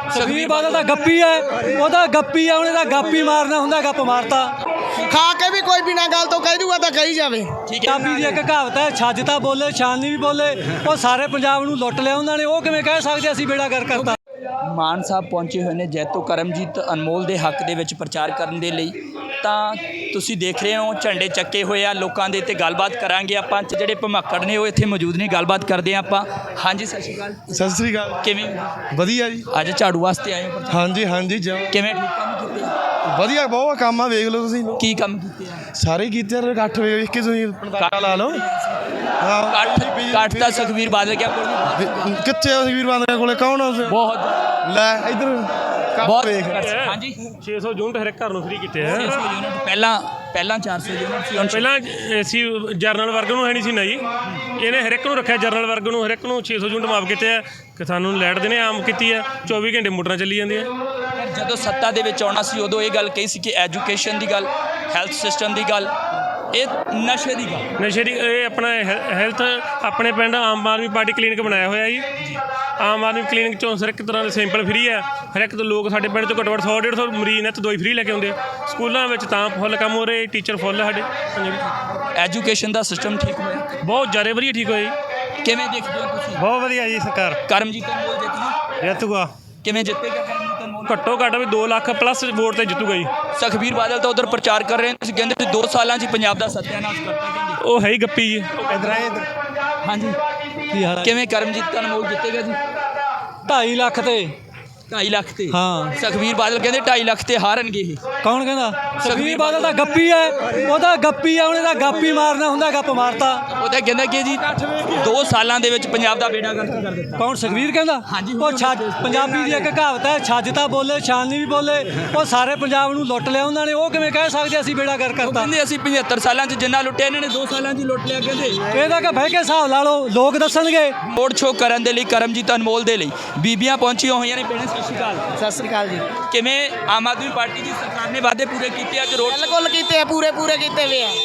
ਸੁਖਬੀਰ ਬਾਦਲ ਦਾ ਗੱਪੀ ਹੈ, ਉਹਦਾ ਗੱਪੀ ਹੈ, ਉਹਨੇ ਤਾਂ ਗੱਪ ਹੀ ਮਾਰਨਾ ਹੁੰਦਾ, ਗੱਪ ਮਾਰਤਾ। ਖਾ ਕੇ ਵੀ ਕੋਈ ਬਿਨਾਂ ਗੱਲ ਤੋਂ ਕਹਿ ਦੂਗਾ ਤਾਂ ਕਹੀ ਜਾਵੇ। ਪੰਜਾਬੀ ਦੀ ਇੱਕ ਕਹਾਵਤ ਹੈ, ਛੱਜ ਤਾਂ ਬੋਲੇ ਛਾਨਣੀ ਵੀ ਬੋਲੇ। ਉਹ ਸਾਰੇ ਪੰਜਾਬ ਨੂੰ ਲੁੱਟ ਲਿਆ ਉਹਨਾਂ ਨੇ, ਉਹ ਕਿਵੇਂ ਕਹਿ ਸਕਦੇ ਅਸੀਂ ਬੇੜਾ ਗਰਕ ਕਰਤਾ। ਮਾਨ ਸਾਹਿਬ ਪਹੁੰਚੇ ਹੋਏ ਨੇ ਜੈਤੋ ਕਰਮਜੀਤ ਅਨਮੋਲ ਦੇ ਹੱਕ ਦੇ ਵਿੱਚ ਪ੍ਰਚਾਰ ਕਰਨ ਦੇ ਲਈ। ਤਾਂ ਤੁਸੀਂ ਦੇਖ ਰਹੇ ਹੋ ਝੰਡੇ ਚੱਕੇ ਹੋਏ ਆ ਲੋਕਾਂ ਦੇ, ਤੇ ਗੱਲਬਾਤ ਕਰਾਂਗੇ ਆਪਾਂ। ਜਿਹੜੇ ਭਮੱਕੜ ਨੇ ਉਹ ਇੱਥੇ ਮੌਜੂਦ ਨੇ, ਗੱਲਬਾਤ ਕਰਦੇ ਹਾਂ ਆਪਾਂ। ਹਾਂਜੀ ਸਤਿ ਸ਼੍ਰੀ ਅਕਾਲ। ਸਤਿ ਸ੍ਰੀ ਅਕਾਲ। ਕਿਵੇਂ ਵਧੀਆ ਜੀ। ਅੱਜ ਝਾੜੂ ਵਾਸਤੇ ਆਏ ਹੋ? ਹਾਂਜੀ ਹਾਂਜੀ ਕਿਵੇਂ ਠੀਕ ਕੰਮ ਕੀਤੇ? ਵਧੀਆ ਬਹੁਤ ਕੰਮ ਆ, ਵੇਖ ਲਓ ਤੁਸੀਂ। ਕੀ ਕੰਮ ਕੀਤੇ ਆ? ਸਾਰੇ ਕੀਤੇ ਆ, ਇਕੱਠ ਵੇਖ ਕੇ ਤੁਸੀਂ ਅੰਦਾਜ਼ਾ ਲਾ ਲਓ। ਹਾਂ ਕੱਟ ਤਾਂ ਸੁਖਬੀਰ ਬਾਦਲ ਕਿਆ ਕੋਲ ਕਿੱਥੇ ਆ ਸੁਖਬੀਰ ਬਾਦਲ ਕੋਲੇ? ਕੌਣ ਆ? ਬਹੁਤ ਲੈ ਇੱਧਰ ਬਹੁਤ ਵੇਖ। ਹਾਂਜੀ 600 ਯੂਨਿਟ ਹਰ ਇੱਕ ਘਰ ਨੂੰ ਫ੍ਰੀ ਕੀਤੇ ਆ। 600 ਯੂਨਿਟ ਪਹਿਲਾਂ 400 ਯੂਨਿਟ ਸੀ, ਹੁਣ ਪਹਿਲਾਂ ਅਸੀਂ ਜਰਨਲ ਵਰਗ ਨੂੰ ਹੈ ਨਹੀਂ ਸੀ ਨਾ ਜੀ, ਇਹਨੇ ਹਰ ਇੱਕ ਨੂੰ ਰੱਖਿਆ। ਜਰਨਲ ਵਰਗ ਨੂੰ ਹਰ ਇੱਕ ਨੂੰ 600 ਯੂਨਿਟ ਮਾਫ ਕੀਤੇ ਆ। ਕਿਸਾਨਾਂ ਨੂੰ ਲਾਈਟ ਦੇਣੇ ਆਮ ਕੀਤੀ ਆ, 24 ਘੰਟੇ ਮੋਟਰਾਂ ਚੱਲੀ ਜਾਂਦੀਆਂ। ਜਦੋਂ ਸੱਤਾ ਦੇ ਵਿੱਚ ਆਉਣਾ ਸੀ ਉਦੋਂ ਇਹ ਗੱਲ ਕਹੀ ਸੀ ਕਿ ਐਜੂਕੇਸ਼ਨ ਦੀ ਗੱਲ, ਹੈਲਥ ਸਿਸਟਮ ਦੀ ਗੱਲ, ਇਹ ਨਸ਼ੇ ਦੀ ਗੱਲ। ਨਸ਼ੇ ਦੀ ਇਹ ਆਪਣਾ ਹੈਲਥ ਆਪਣੇ ਪਿੰਡ ਆਮ ਆਦਮੀ ਪਾਰਟੀ ਕਲੀਨਿਕ ਬਣਾਇਆ ਹੋਇਆ ਜੀ। ਆਮ ਆਦਮੀ ਕਲੀਨਿਕ 'ਚੋਂ ਹਰ ਇੱਕ ਤਰ੍ਹਾਂ ਦੇ ਸੈਂਪਲ ਫ੍ਰੀ ਆ। ਹਰ ਇੱਕ ਤੋਂ ਲੋਕ ਸਾਡੇ ਪਿੰਡ 'ਚੋਂ ਘੱਟੋ ਘੱਟ 100-150 ਮਰੀਜ਼ ਨੇ ਤੇ ਦਵਾਈ ਫ੍ਰੀ ਲੈ ਕੇ ਆਉਂਦੇ। ਸਕੂਲਾਂ ਵਿੱਚ ਤਾਂ ਫੁੱਲ ਕੰਮ ਹੋ ਰਹੇ, ਟੀਚਰ ਫੁੱਲ ਸਾਡੇ। ਐਜੂਕੇਸ਼ਨ ਦਾ ਸਿਸਟਮ ਠੀਕ ਹੋਇਆ, ਬਹੁਤ ਜ਼ਿਆਦਾ ਵਧੀਆ ਠੀਕ ਹੋਇਆ ਜੀ। ਕਿਵੇਂ ਦੇਖਦੇ ਹੋ ਤੁਸੀਂ? ਬਹੁਤ ਵਧੀਆ ਜੀ। ਸਰਕਾਰ ਕਰਮਜੀਤ ਅਨਮੋਲ ਜਿੱਤੂ ਜਿੱਤੂਗਾ। ਕਿਵੇਂ ਜਿੱਤੇਗਾ ਕਰਮਜੀਤ ਅਨਮੋਲ? ਘੱਟੋ ਘੱਟ ਵੀ 2 ਲੱਖ ਪਲੱਸ ਵੋਟ ਤੇ ਜਿੱਤੂਗਾ ਜੀ। ਸੁਖਬੀਰ ਬਾਦਲ ਤਾਂ ਉਧਰ ਪ੍ਰਚਾਰ ਕਰ ਰਹੇ ਨੇ, ਤੁਸੀਂ ਕਹਿੰਦੇ 2 ਸਾਲਾਂ 'ਚ ਪੰਜਾਬ ਦਾ ਸੱਤਿਆਨਾਸ਼ ਕਰਤਾ ਕਹਿੰਦੇ। ਉਹ ਹੈ ਹੀ ਗੱਪੀ ਜੀ। ਹਾਂਜੀ ਕੀ ਹਾਲ ਹੈ? ਕਿਵੇਂ ਕਰਮਜੀਤ ਅਨਮੋਲ ਜਿੱਤੇਗਾ ਜੀ? 2.5 ਲੱਖ ਤੇ 2.5 ਲੱਖ ਤੇ? ਹਾਂ। ਸੁਖਬੀਰ ਬਾਦਲ ਕਹਿੰਦੇ 2.5 ਲੱਖ ਤੇ ਹਾਰਨਗੇ ਇਹ। ਕੌਣ ਕਹਿੰਦਾ? ਸੁਖਬੀਰ ਬਾਦਲ ਦਾ ਗੱਪੀ ਹੈ, ਉਹਦਾ ਗੱਪੀ ਹੈ, ਉਹਨੇ ਤਾਂ ਗੱਪ ਹੀ ਮਾਰਨਾ ਹੁੰਦਾ, ਗੱਪ ਮਾਰਤਾ। ਉਹ ਤਾਂ ਕਹਿੰਦਾ ਕਿ ਜੀ 2 ਸਾਲਾਂ ਦੇ ਵਿੱਚ ਪੰਜਾਬ ਦਾ ਬੇੜਾ ਗਰਕ ਕਰ ਦਿੱਤਾ। ਕੌਣ? ਸੁਖਬੀਰ ਕਹਿੰਦਾ? ਹਾਂਜੀ। ਉਹ ਛੱਜ, ਪੰਜਾਬੀ ਦੀ ਇੱਕ ਕਹਾਵਤ ਹੈ, ਛੱਜ ਤਾਂ ਬੋਲੇ ਛਾਨਣੀ ਵੀ ਬੋਲੇ। ਉਹ ਸਾਰੇ ਪੰਜਾਬ ਨੂੰ ਲੁੱਟ ਲਿਆ ਉਹਨਾਂ ਨੇ, ਉਹ ਕਿਵੇਂ ਕਹਿ ਸਕਦੇ ਅਸੀਂ ਬੇੜਾ ਗਰਕ ਉਹ ਕਰਤਾ। ਕਹਿੰਦੇ ਅਸੀਂ 75 ਸਾਲਾਂ 'ਚ ਜਿੰਨਾ ਲੁੱਟਿਆ ਇਹਨਾਂ ਨੇ 2 ਸਾਲਾਂ 'ਚ ਹੀ ਲੁੱਟ ਲਿਆ ਕਹਿੰਦੇ। ਇਹਦਾ ਕਿ ਬਹਿ ਕੇ ਹਿਸਾਬ ਲਾ ਲਓ, ਲੋਕ ਦੱਸਣਗੇ। ਰੋਡ ਸ਼ੋਅ ਕਰਨ ਦੇ ਲਈ ਕਰਮਜੀਤ ਅਨਮੋਲ ਦੇ ਲਈ ਬੀਬੀਆਂ ਪਹੁੰਚੀਆਂ ਹੋਈਆਂ ਨੇ। ਭੈਣੇ ਸਤਿ ਸ਼੍ਰੀ ਅਕਾਲ। ਸਤਿ ਸ੍ਰੀ ਅਕਾਲ ਜੀ। ਕਿਵੇਂ ਆਮ ਆਦਮੀ ਪਾਰਟੀ ਦੀ ਸਰਕਾਰ ਨੇ ਵਾਅਦੇ ਪੂਰੇ ਕੀਤੇ? ਅੱਜ ਰੋਡ ਬਿਲਕੁਲ ਕੀਤੇ ਆ, ਪੂਰੇ ਕੀਤੇ ਵੇ ਆ।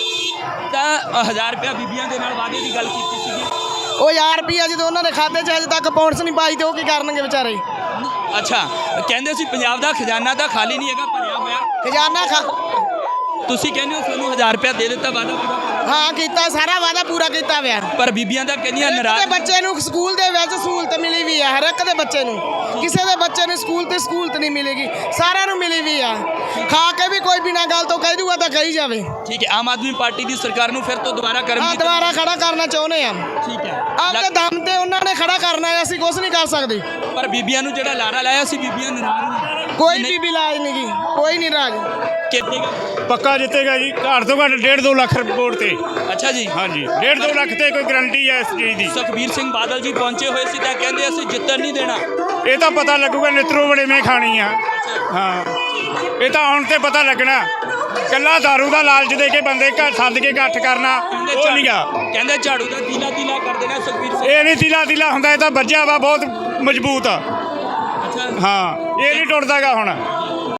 ਤਾਂ 1000 ਰੁਪਇਆ ਬੀਬੀਆਂ ਦੇ ਨਾਲ ਵਾਅਦੇ ਦੀ ਗੱਲ ਕੀਤੀ ਸੀਗੀ। ਉਹ 1000 ਰੁਪਈਆ ਜਦੋਂ ਉਹਨਾਂ ਦੇ ਖਾਤੇ 'ਚ ਅਜੇ ਤੱਕ ਪਹੁੰਚ ਨਹੀਂ ਪਾਈ ਤੇ ਉਹ ਕੀ ਕਰਨਗੇ ਵਿਚਾਰੇ? ਅੱਛਾ, ਕਹਿੰਦੇ ਸੀ ਪੰਜਾਬ ਦਾ ਖਜ਼ਾਨਾ ਤਾਂ ਖਾਲੀ ਨਹੀਂ ਹੈਗਾ, ਭਰਿਆ ਹੋਇਆ। ਖਜ਼ਾਨਾ ਤੁਸੀਂ ਕਹਿੰਦੇ ਹੋ ਸਾਨੂੰ 1000 ਰੁਪਇਆ ਦੇ ਦਿੱਤਾ, ਵਾਅਦਾ ਪੂਰਾ ਕਰ। ਹਾਂ ਕੀਤਾ, ਸਾਰਾ ਵਾਅਦਾ ਪੂਰਾ ਕੀਤਾ ਵਿਆ। ਪਰ ਬੀਬੀਆਂ ਤਾਂ ਕਹਿੰਦੀਆਂ ਹਰ ਨਾਰਾਜ਼। ਬੱਚੇ ਨੂੰ ਸਕੂਲ ਦੇ ਵਿੱਚ ਸਹੂਲਤ ਮਿਲੀ ਵੀ ਆ, ਹਰ ਇੱਕ ਦੇ ਬੱਚੇ ਨੂੰ। ਕਿਸੇ ਦੇ ਬੱਚੇ ਨੂੰ ਸਕੂਲ ਤੇ ਸਹੂਲਤ ਨਹੀਂ ਮਿਲੇਗੀ, ਸਾਰਿਆਂ ਨੂੰ ਮਿਲੀ ਵੀ ਆ। ਖਾ ਕੇ ਵੀ ਕੋਈ ਬਿਨਾਂ ਗੱਲ ਤੋਂ ਕਹਿ ਦੂਗਾ ਤਾਂ ਕਹੀ ਜਾਵੇ। ਠੀਕ ਹੈ, ਆਮ ਆਦਮੀ ਪਾਰਟੀ ਦੀ ਸਰਕਾਰ ਨੂੰ ਫਿਰ ਤੋਂ ਦੁਬਾਰਾ ਹਾਂ, ਕਰਮਜੀਤ ਦੁਬਾਰਾ ਖੜਾ ਕਰਨਾ ਚਾਹੁੰਦੇ ਆ। ਠੀਕ ਹੈ। ਆਪਦੇ ਦਮ ਤੇ ਉਹਨਾਂ ਨੇ ਖੜਾ ਕਰਨਾ ਹੈ, ਅਸੀਂ ਕੁਝ ਨਹੀਂ ਕਰ ਸਕਦੇ। ਪਰ ਬੀਬੀਆਂ ਨੂੰ ਜਿਹੜਾ ਲਾਰਾ ਲਾਇਆ ਸੀ, ਬੀਬੀਆਂ ਨਾਰਾਜ਼ ਨੇ। ਕੋਈ ਬੀਬੀ ਲਾਜ ਨਹੀਂ ਗੀ, ਕੋਈ ਨਹੀਂ ਰਾਜ। ਕਿੱਥੇ? ਪੱਕਾ ਜਿੱਤੇਗਾ ਜੀ, ਘੱਟ ਤੋਂ ਘੱਟ 1.5-2 ਲੱਖ ਵੋਟ ਤੇ। ਅੱਛਾ ਜੀ। ਹਾਂਜੀ, 1.5-2 ਲੱਖ ਤੇ ਕੋਈ ਗਰੰਟੀ ਹੈ ਇਸ ਚੀਜ਼ ਦੀ। ਸੁਖਬੀਰ ਸਿੰਘ ਬਾਦਲ ਜੀ ਪਹੁੰਚੇ ਹੋਏ ਸੀ ਤਾਂ ਕਹਿੰਦੇ ਅਸੀਂ ਜਿੱਤਣ ਨਹੀਂ ਦੇਣਾ। ਇਹ ਤਾਂ ਪਤਾ ਲੱਗੂਗਾ ਨਿਤਰੋ ਵੜੇਵੇਂ ਖਾਣੀ ਆ। ਹਾਂ, ਇਹ ਤਾਂ ਹੁਣ ਤੇ ਪਤਾ ਲੱਗਣਾ। ਕੱਲਾ ਦਾਰੂ ਦਾ ਲਾਲਚ ਦੇ ਕੇ ਬੰਦੇ ਸੱਦ ਕੇ ਇਕੱਠ ਕਰਨਾ ਉਹ ਨਹੀਂ ਗਾ। ਕਹਿੰਦੇ ਝਾੜੂ ਦਾ ਤੀਲਾ ਤੀਲਾ ਕਰ ਦੇਣਾ ਸੁਖਬੀਰ ਸਿੰਘ। ਇਹ ਨਹੀਂ ਤੀਲਾ ਹੁੰਦਾ, ਇਹ ਤਾਂ ਵੱਜਿਆ ਵਾ ਬਹੁਤ ਮਜ਼ਬੂਤ ਆ। ਹਾਂ, ਇਹ ਨਹੀਂ ਟੁੱਟਦਾਗਾ ਹੁਣ।